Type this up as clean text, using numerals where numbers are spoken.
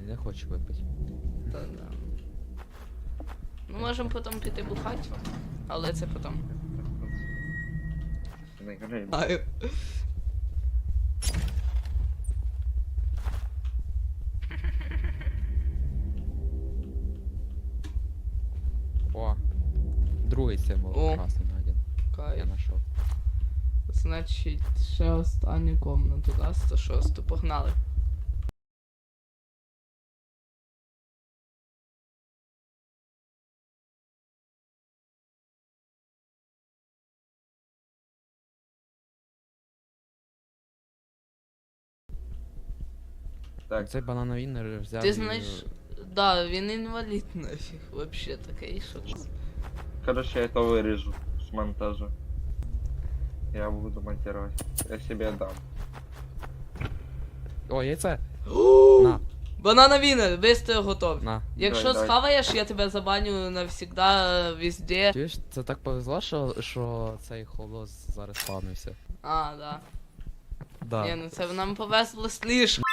не хочу випити. Да. Ну, можемо потім піти бухати, але це потім. Не грай. Знаю. О, другий символ О. красний найден. Я Кайф. знайшов. Значить, ще останню комнату, да, 106, погнали. Так, Цей банановий взяв. Ти і- знаєш, да, він інвалід нафіг, вообще такий, що це. короче, я это вырежу с монтажа. Я буду монтировать. Я себе дам. О, яйце! На, Банана Вінер, вистою готов. на. Якщо Давай. схаваєш, я тебе забаню навсегда, везде. Чуєш, це так повезло, що цей холос зараз спавнився. А, да. Да. Ні, ну це нам повезло слишком.